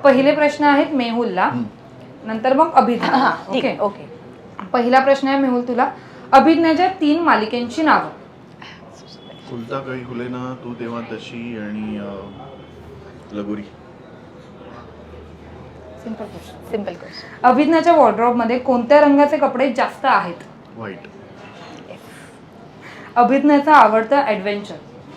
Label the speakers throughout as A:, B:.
A: पहिले प्रश्न आहेत मेहुलला, नंतर मग अभिज्ञा. Okay
B: okay.
A: पहिला प्रश्न आहे मेहुल तुला, अभिज्ञाच्या 3 मालिकेंची नावं.
C: फुलता काही फुलेना, तू तेव्हा तशी आणि लगोरी.
A: Simple question.
B: Simple question.
A: अभिज्ञाच्या वॉर्डरोब मध्ये कोणत्या रंगाचे कपडे जास्त आहेत?
C: व्हाईट.
A: अभिज्ञाचा आवडता ऍडव्हेंचर.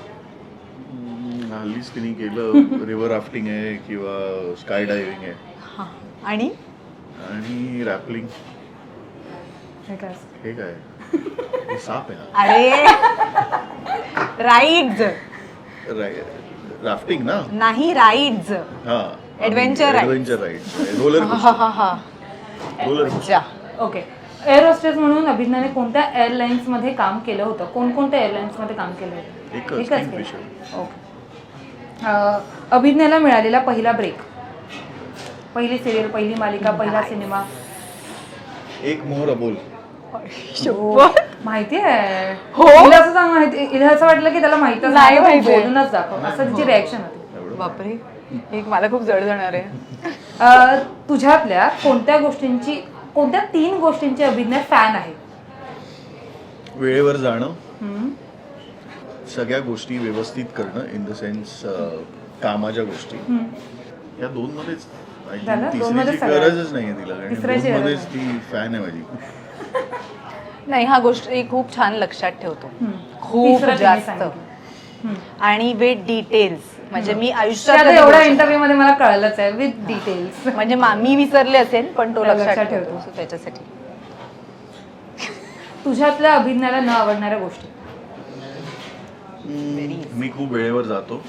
C: हल्लीच तिने केलं रिव्हर राफ्टिंग आहे किंवा स्काय डायव्हिंग आहे.
B: आणि
C: रॅपलिंग.
A: हे काय?
C: हे काय? हे साप आहे.
B: अरे राईड्स.
C: राफ्टिंग ना.
B: नाही राईड्स.
C: हा
B: Adventure rides.
C: Adventure ride. Roller
B: अच्छा.
A: ओके. एअर होस्टेस म्हणून अभिज्ञाने कोणत्या एअरलाइन्स मध्ये काम केलं होतं? कोणकोणत्या एअरलाइन्स मध्ये काम केलं होतं?
C: एकच
A: केलं.
C: किंगफिशर.
A: ओके. अभिज्ञाला मिळालेला पहिला ब्रेक, पहिली सिरियल, पहिली मालिका, पहिला सिनेमा.
C: एक मोहर अबोल.
A: माहिती आहे.
B: हो?
A: हिला असं सांग माहिती, हिला असं वाटलं की त्याला माहितच
B: नाही माहिती.
A: बोलूनच दाखव, असं तिची रिॲक्शन होती.
B: बापरे, एक मला खूप जड जाणार आहे.
A: तुझ्यातल्या कोणत्या 3 गोष्टींची अभिज्ञा फॅन आहे?
C: वेळेवर जाणं, सगळ्या गोष्टी व्यवस्थित करणं, इन द सेन्स कामाच्या गोष्टी. या 2 मध्येच तिसरीची गरजच नाहीये तिला, कारण 2 मध्येच ती फॅन आहे माझी.
B: नाही, हा गोष्ट खूप छान लक्षात ठेवतो, खूप जास्त, आणि विथ डिटेल्स. म्हणजे मी आयुष्यात
A: एवढ्या इंटरव्ह्यू मध्ये मला कळलंच आहे, विथ डिटेल्स.
B: म्हणजे मी विसरले असेल पण तो लक्षात ठेवतो. त्याच्यासाठी.
A: तुझ्यातल्या अभिज्ञाला न आवडणाऱ्या गोष्टी.
C: मी खूप वेळेवर जातो.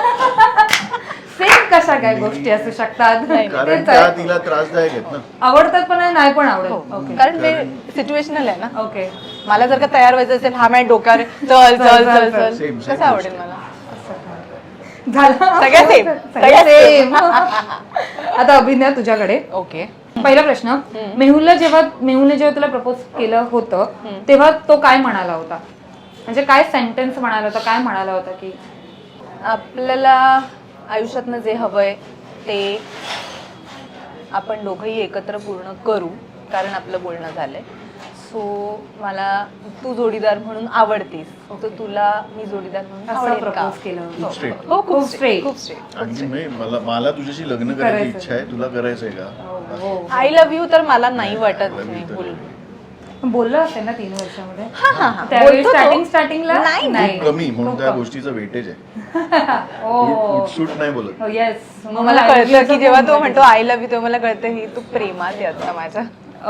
A: सेम कशा काय गोष्टी असू शकतात?
C: कारण त्या तिला त्रासदायक आहेत ना.
A: आवडतात पण नाही पण आवडत.
B: कारण ते सिच्युएशनल आहे ना.
A: ओके.
B: मला जर का तयार व्हायचं असेल, हा माझ्या डोक्यावर चल चल चल चल, कसं आवडेल मला?
A: सगळ्या सेम. आता अभिज्ञा तुझ्याकडे.
B: ओके.
A: पहिला प्रश्न, मेहुलने जेव्हा तुला प्रपोज केलं होतं तेव्हा तो काय म्हणाला होता? म्हणजे काय सेंटेन्स म्हणाला होता, काय म्हणाला होता? की
B: आपल्याला आयुष्यातनं जे हवंय ते आपण दोघंही एकत्र पूर्ण करू, कारण आपलं बोलणं झालंय. सो मला तू जोडीदार म्हणून आवडतीस, तर तुला मी जोडीदार म्हणून आवडेल का?
A: प्रपोज केलं.
C: खूप स्ट्रेट.
A: हो, खूप स्ट्रेट.
B: खूप स्ट्रेट.
C: आणि मला तुझ्याशी लग्न करायची इच्छा आहे, तुला करायचंय का?
B: आय लव्ह यू तर मला नाही वाटत नाही बोल.
A: बोललं असेल ना 3 वर्षामध्ये.
B: त्यावेळी
A: स्टार्टिंगला
B: नाही.
C: कमी म्हणून त्या गोष्टीचं वेटेज आहे. उठसूट नाही बोलत.
A: येस.
B: मग मला कळतं की जेव्हा तो म्हणतो आय लव्ह यू, तेव्हा मला कळतं ही तू प्रेमात आहे आता माझ्या.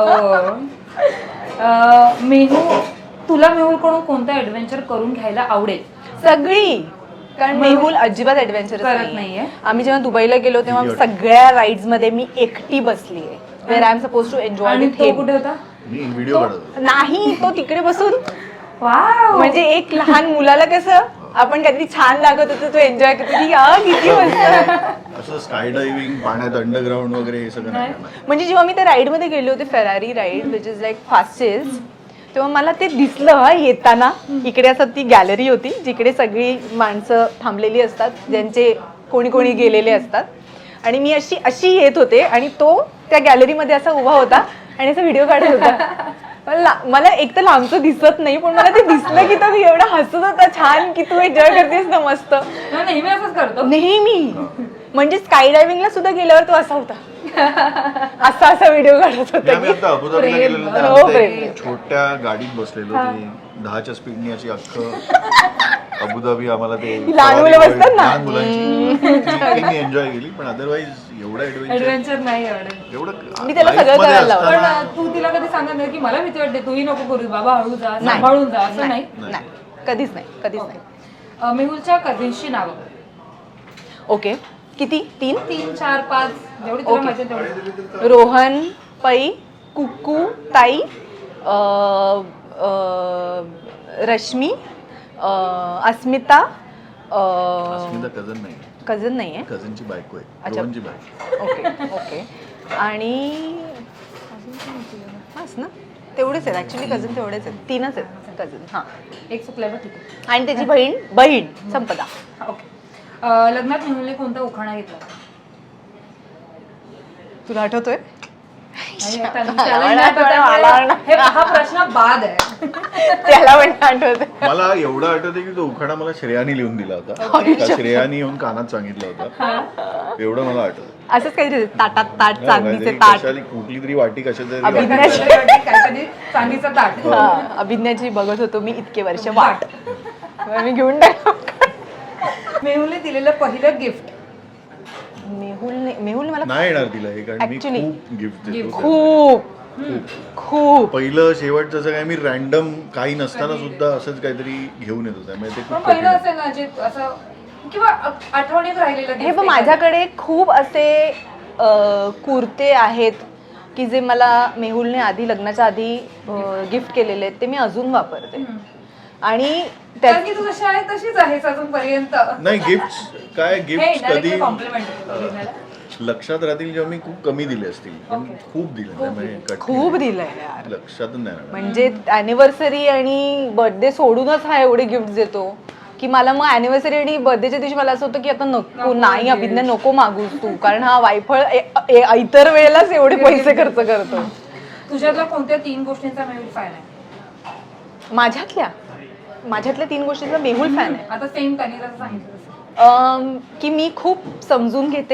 A: तुला मेहुलकडून कोणतं ऍडव्हेंचर करून घ्यायला आवडेल?
B: सगळी. कारण मेहुल अजिबात ऍडव्हेंचर
A: करत नाहीये.
B: आम्ही जेव्हा दुबईला गेलो तेव्हा सगळ्या राईड्स मध्ये मी एकटी बसली आहे, where I am suppose to enjoy with him.
A: कुठे होता?
C: मी व्हिडिओ काढतो.
B: नाही, तो तिकडे बसून.
A: वाव.
B: म्हणजे एक लहान मुलाला कसं आपण काहीतरी छान लागत होतं, तो एन्जॉय करतो की किती मस्त.
C: असं स्काय डायव्हिंग, पाण्यात अंडरग्राऊंड वगैरे हे सगळं नाही.
B: म्हणजे जेव्हा मी त्या राईड मध्ये गेले होते, Ferrari ride which is like fastest, तेव्हा मला ते दिसलं येताना. इकडे असं ती गॅलरी होती जिकडे सगळी माणसं थांबलेली असतात, ज्यांचे कोणी कोणी गेलेले असतात, आणि मी अशी येत होते आणि तो त्या गॅलरीमध्ये असा उभा होता आणि असा व्हिडिओ काढत होता. मला एक तर लांबचं दिसत नाही, पण मला ते दिसलं की तो एवढा हसत होता छान, की तू एन्जॉय करतेस ना मस्त.
A: नेहमी असंच करतो.
B: नेहमी. म्हणजे स्काय डायव्हिंगला सुद्धा गेल्यावर तो असा होता, असा व्हिडिओ काढत होता.
C: आम्ही आता अबुधाबीला गेलेलो त्या छोट्या गाडीत बसलेलो, ती 10च्या स्पीडनी अशी अख्खं अबुधाबी आम्हाला ते
B: लहान मुलं बसतात ना,
C: लहान मुलांची मी एन्जॉय केली. पण अदरवाईज एवढं
A: ऍडव्हेंचर नाही आवडेल.
C: एवढं
B: मी त्याला सगळं करायला लावलं.
A: पण तू तिला कधी सांगत नाही की मला भीती वाटते, तूही नको करू बाबा, हळू जा, सांभाळून जा, असं नाही?
B: कधीच नाही.
A: मेहुलच्या कझिन्सची नावं.
B: ओके. किती? 3,
A: 4, 5 जेवढी तुला माहिती आहे तेवढी.
B: रोहन, पै, कुक्कू, ताई, रश्मी, अस्मिता. कझन नाहीये,
C: कझनची बायको आहे, रोहनची बायको.
B: ओके. आणि ना तेवढेच आहेत ऍक्च्युली, कझन तेवढेच आहेत, 3च आहेत कझन. हा,
A: एक चुकलं बघ तिथे.
B: आणि त्याची बहीण संपदा.
A: ओके. लग्नात मेहुलने कोणता उखाणा घेतला?
B: तुला आठवतोय?
A: हा प्रश्न बाद आहे.
B: त्याला पण आठवतंय.
C: मला एवढं आठवतं की तो उखाणा मला श्रेयाने लिहून दिला होता. का श्रेयाने येऊन कानात सांगितलं होतं, एवढं मला आठवतं.
B: असंच काहीतरी ताटात ताट, चांदीचे ताट,
C: कुठली तरी वाटी कशातरी
A: चांदीचं ताट.
B: अभिज्ञाची बघत होतो मी इतके वर्ष वाट, मी घेऊन टाकलो.
A: मेहुलने दिलेलं पहिलं गिफ्ट.
B: मेहुलने मला
C: नाही येणार तिला हे, कारण मी
B: Actually,
C: खूप गिफ्ट देतो.
B: खूप
C: पहिलं शेवटचं असं काय मी रॅन्डम काही नसताना सुद्धा असंच काहीतरी घेऊन येतो, त्यामुळे ते
A: पण
C: खूप
A: पहिलं
C: कठीण आहे.
A: असेल ना जे असं किंवा आठवणीत राहिलेलं
B: हे
A: gift
B: पण
A: आहे.
B: माझ्याकडे खूप असे कुर्ते आहेत की जे मला मेहुलने आधी लग्नाच्या आधी गिफ्ट केलेले आहेत, ते मी अजून वापरते. आणि
A: कारण की तू जशी आहे तशीच आहेस अजूनपर्यंत.
C: नाही गिफ्ट काय गिफ्ट कधी
A: कॉम्प्लिमेंट
C: लक्षात राहतील जेव्हा मी खूप कमी दिले असतील, पण खूप दिले त्यामुळे कठीण
B: खूप
C: आहे.
B: दिलंय यार.
C: लक्षातच नाही राहणार.
B: म्हणजे अॅनिव्हर्सरी आणि बर्थडे सोडूनच हा एवढे गिफ्ट देतो की मला मग अॅनिव्हर्सरी आणि बर्थडेच्या दिवशी मला असं होतं की आता नको, नाही अभिज्ञा नको मागूस तू, कारण हा वायफळ इतर वेळेलाच एवढे पैसे खर्च करतो.
A: तुझ्यातल्या कोणत्या 3 गोष्टींचा मेहुल फॅन आहे?
B: माझ्यातल्या 3 गोष्टींचा मेहुल फॅन आहे.
A: आता सेम त्यांनी जसं सांगितलं तसं.
B: की मी खूप समजून घेते,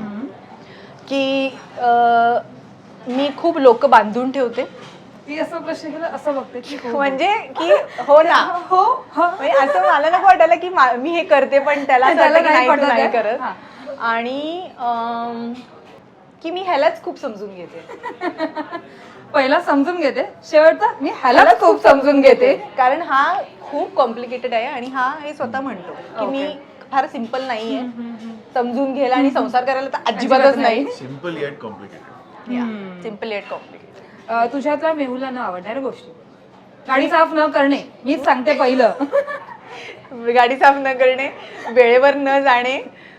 B: की मी खूप लोक बांधून ठेवते.
A: ती असं प्रश्न केला असं बघते की हो.
B: म्हणजे की हो ना,
A: हो
B: म्हणजे असं मला नको वाटायला की मी हे करते पण त्याला असं वाटतं की नाही, तू नाही करत.
A: हा.
B: आणि की मी ह्यालाच खूप समजून घेते.
A: पहिला समजून घेते, शेवटचा मी ह्यालाच खूप समजून घेते.
B: कारण हा खूप कॉम्प्लिकेटेड आहे आणि हा हे स्वतः म्हणतो की मी फार सिम्पल नाहीये, समजून घ्यायला आणि संसार करायला तर अजिबातच नाही.
C: Simple yet complicated.
B: Simple yet complicated.
A: तुझ्यातल्या मेहुला न आवडणाऱ्या गोष्टी. गाडी साफ न करणे, मीच सांगते पहिलं.
B: गाडी साफ न करणे, वेळेवर न जाणे,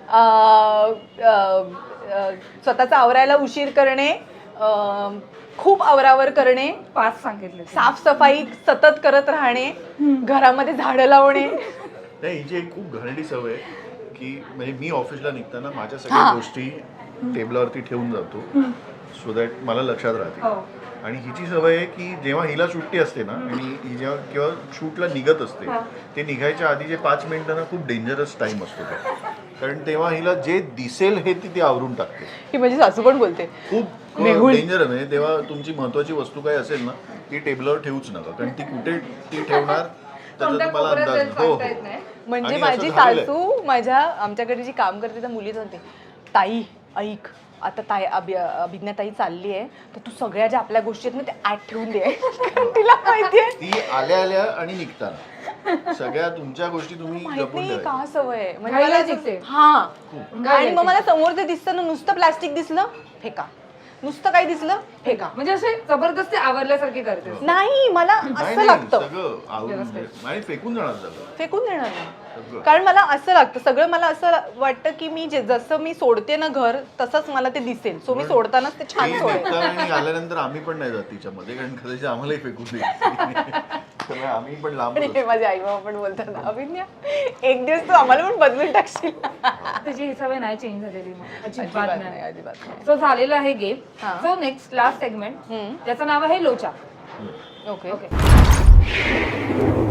B: स्वतःचा आवरायला उशीर करणे, खूप आवरावर करणे,
A: 5 सांगितले.
B: साफसफाई सतत करत राहणे, घरामध्ये झाडं लावणे.
C: नाही हिची एक खूप घाणेरडी सवय आहे की म्हणजे मी ऑफिसला निघताना माझ्या सगळ्या गोष्टी टेबलावरती ठेवून जातो, सो दॅट मला लक्षात राहते. आणि हिची सवय आहे की जेव्हा हिला सुट्टी असते ना आणि ही जेव्हा किंवा शूटला निघत असते, ते निघायच्या आधी जे 5 मिनिटं ना खूप डेंजरस टाइम असतो तो, कारण तेव्हा हिला जे दिसेल हे ती आवरून टाकते.
B: ही माझी सासू पण बोलते
C: खूप डेंजर आहे. तेव्हा तुमची महत्वाची वस्तू काय असेल ना ती टेबलावर ठेवूच नका, कारण ती कुठे ती ठेवणार त्याचा मला अंदाज. हो
B: म्हणजे
C: आणि
B: माझी
C: असं झालेलं आहे.
B: सासू आमच्याकडे जी काम करते त्या मुली सांगते, ताई ऐक आता अभिज्ञा ताई चालली आहे तर तू सगळ्या ज्या आपल्या गोष्टी आहेत ना त्या ऍड ठेवून दे. तिला माहितीये
C: ती आल्या आणि निघताना सगळ्या तुमच्या गोष्टी तुम्ही
B: माहित
C: जपून
B: नाही
C: ठेवायच्या.
B: का सवय आहे. म्हणजे
A: घाईला
B: मला
A: दिसते.
B: हा आणि मग मला समोर ते दिसतं ना, नुसतं प्लास्टिक दिसलं फेका, नुसतं काही दिसलं फेका.
A: म्हणजे असे जबरदस्ती आवरल्यासारखे करते.
B: नाही मला
C: नाही,
B: असं
C: नाही,
B: लागतं
C: सगळं आवरून नाही फेकून जाणार सगळं.
B: फेकून देणार नाही, कारण मला असं लागतं सगळं. मला असं वाटतं की मी जसं मी सोडते ना घर तसंच मला ते दिसेल, सो मी सोडतानाच ते छान
C: ती
B: सोडेल.
C: निघताना आणि आल्यानंतर आम्ही पण नाही जात तिच्यामध्ये, कारण कदाचित आम्हालाही फेकून देईल. त्यामुळे आम्ही पण लांब
B: आणि माझे आई बाबा पण बोलतात ना, अभिज्ञा एक दिवस तू आम्हाला पण बदलून टाकशील.
A: त्याची ही सवय नाही चेंज झालेली मग. अजिबात नाही.
B: अजिबात नाही.
A: सो झालेलं आहे गेम.
B: हा.
A: सो नेक्स्ट लास्ट सेगमेंट, त्याचं नाव आहे लोचा.
B: Okay
A: okay.